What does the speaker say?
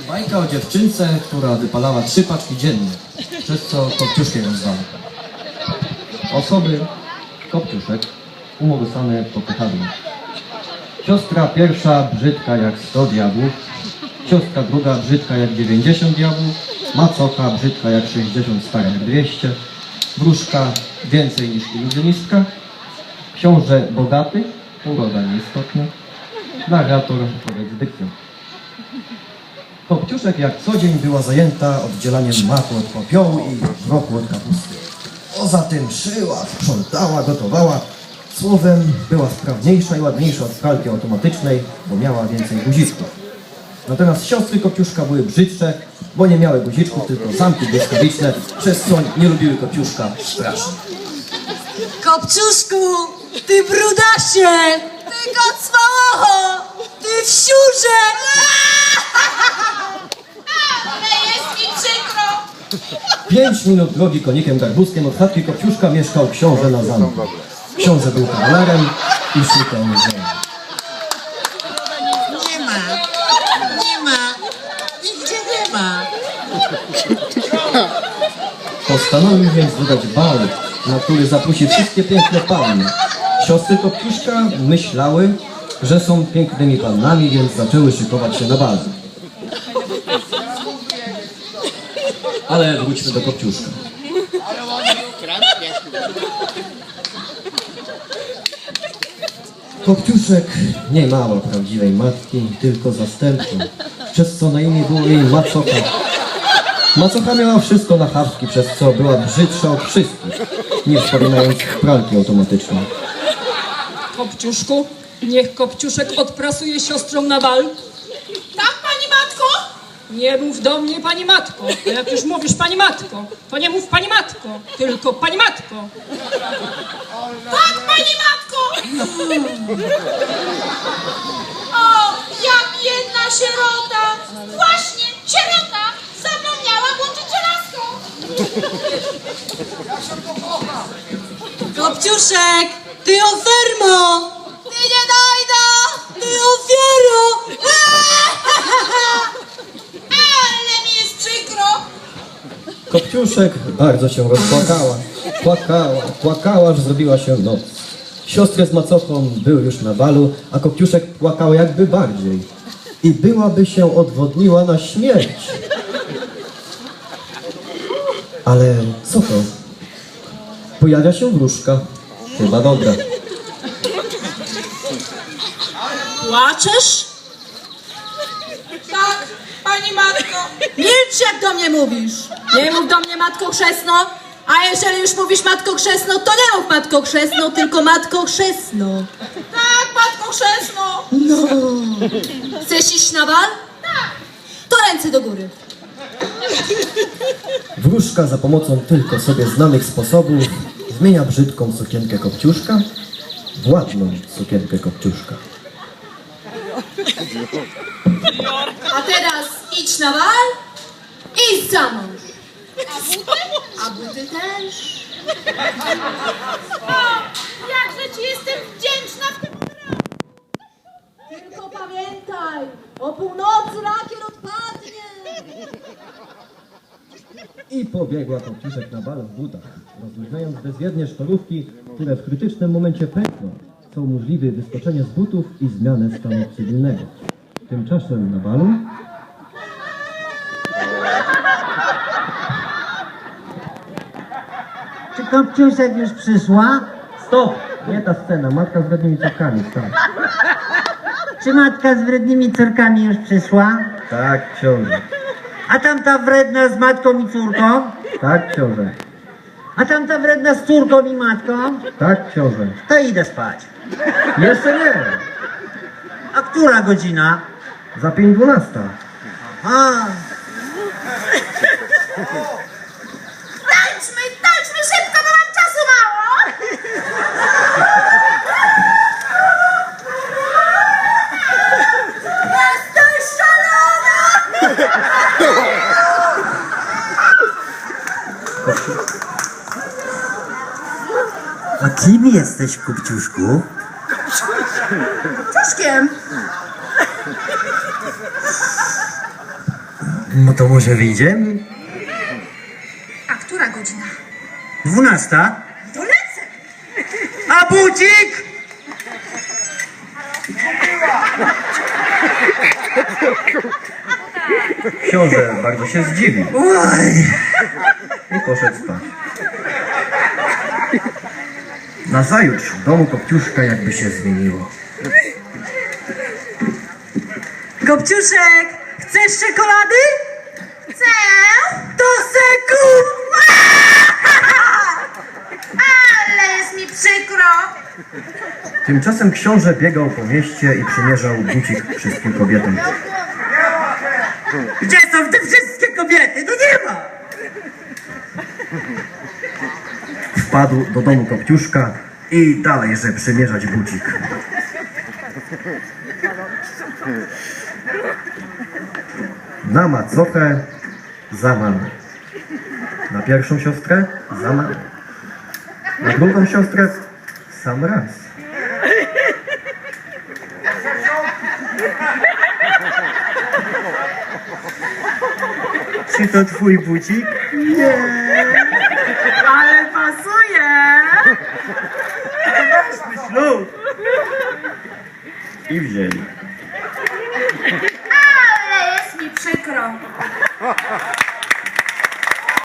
Bajka o dziewczynce, która wypalała 3 paczki dziennie, przez co Kopciuszkiem ją zwał. Osoby Kopciuszek umorsane popychadłem. Siostra pierwsza brzydka jak 100 diabłów, siostra druga brzydka jak 90 diabłów, macocha brzydka jak 60, stara jak 200, wróżka więcej niż iluzjonistka, książę bogaty, uroda nieistotna, narrator powiedz dykcją. Kopciuszek jak co dzień była zajęta oddzielaniem maku od popiołu i wroku od kapusty. Poza tym szyła, sprzątała, gotowała. Słowem, była sprawniejsza i ładniejsza od pralki automatycznej, bo miała więcej guziczków. Natomiast siostry Kopciuszka były brzydsze, bo nie miały guziczków, tylko zamki błyskawiczne, przez co nie lubiły Kopciuszka strasznie. Kopciuszku, ty brudasie, ty kocmałocho, ty wsiurze! Ale jest mi przykro! 5 minut drogi konikiem garbuskiem od chatki Kopciuszka mieszkał książę na zamku. Książę był kawalerem i szukał żony. Nie ma, nigdzie nie ma. Postanowił więc wydać bal, na który zaprosi wszystkie piękne panny. Siostry Kopciuszka myślały, że są pięknymi pannami, więc zaczęły szykować się na bal. Ale wróćmy do Kopciuszka. Kopciuszek nie miała prawdziwej matki, tylko zastępczą, przez co na imię było jej macocha. Macocha miała wszystko na chawki, przez co była brzydsza od wszystkich, nie wspominając pralki automatycznej. Kopciuszku, niech Kopciuszek odprasuje siostrą na bal. Tak, pani matko? Nie mów do mnie pani matko, bo jak już mówisz pani matko, to nie mów pani matko, tylko pani matko. Tak, pani matko! O, ja biedna sierota! Właśnie, sierota! Zapomniała włączyć żelazko! Kopciuszek, ty ofermo, Ty nie dojda! ty ofiaro! Ale mi jest przykro! Kopciuszek bardzo się rozpłakała. Płakała, aż zrobiła się noc. Siostry z macochą były już na balu, a Kopciuszek płakała jakby bardziej. I byłaby się odwodniła na śmierć. Ale co to? Pojawia się wróżka. Chyba dobra. Płaczesz? Tak, pani matko! Milcz, jak do mnie mówisz. Nie mów do mnie matko chrzestno, a jeżeli już mówisz matko chrzestno, to nie mów matko chrzestno, tylko matko chrzestno. Tak, matko chrzestno! No. Chcesz iść na bal? Tak! To ręce do góry. Wróżka za pomocą tylko sobie znanych sposobów zmienia brzydką sukienkę Kopciuszka w ładną sukienkę Kopciuszka. A teraz idź na bal i za mąż. A buty też. O, jakże ci jestem wdzięczna w tym Tylko pamiętaj, o północy lakier odpadnie. I pobiegła Kopciuszek na bal w butach, rozluźniając bezwiednie sztorówki, które w krytycznym momencie pękną, co umożliwi wyskoczenie z butów i zmianę stanu cywilnego. Tymczasem na balu Czy Kopciuszek już przyszła? stop! Nie ta scena, matka z wrednymi córkami, tak. Czy matka z wrednymi córkami już przyszła? Tak, książę. A tamta wredna z matką i córką? Tak, książę. A tamta wredna z córką i matką? Tak, książę. To idę spać. Jeszcze nie! A która godzina? Za 5:12. A, Tańczmy szybko, bo mam czasu mało! Jesteś szalona! a kim jesteś, Kopciuszku? Czaszkiem! No to może wyjdziemy? A która godzina? 12. To lecę! A bucik? Książę bardzo się zdziwił Oj. i poszedł spać. Nazajutrz w domu Kopciuszka jakby się zmieniło. Kopciuszek, chcesz czekolady? Chcę! To se kup! Ale jest mi przykro! Tymczasem książę biegał po mieście i przymierzał bucik wszystkim kobietom. Gdzie są te wszystkie kobiety? No nie ma! Wpadł do domu Kopciuszka i dalej, że przymierzać bucik. Na macochę za mamę. Na pierwszą siostrę za mamę. Na drugą siostrę sam raz. Czy to twój bucik? Ale pasuje! Ślub! I wzięli. Ale jest mi przykro!